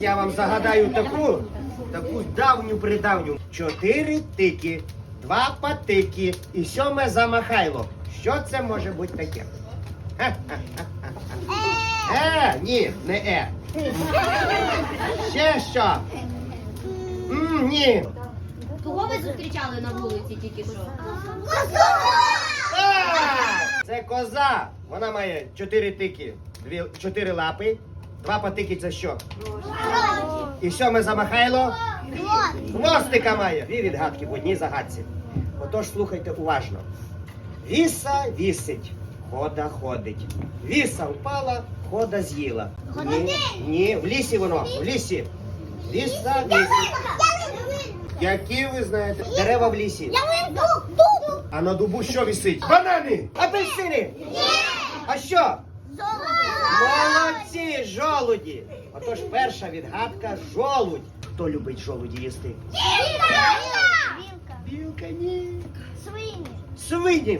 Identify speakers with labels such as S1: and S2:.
S1: Я вам загадаю таку давню-придавню. 4 тики, 2 патики і 7 замахайло. Що це може бути таке? Ні, не Ще що? Ні.
S2: Кого ви зустрічали на вулиці тільки що?
S1: Це коза. Вона має 4 тики, 4 лапи. 2 патики це що? І 7 замахайло? Хвостика має. 2 відгадки в одній загадці. Отож, слухайте уважно. Віса вісить, хода ходить. Віса впала, хода з'їла. Ні, в лісі воно, в лісі. Віса вісить. Які ви знаєте? Дерева в лісі. А на дубу що висить? Банани! Апельсини! А що? Молодці, жолуді! Отож, перша відгадка – жолудь. Хто любить жолуді їсти? Білка, ні. Свині.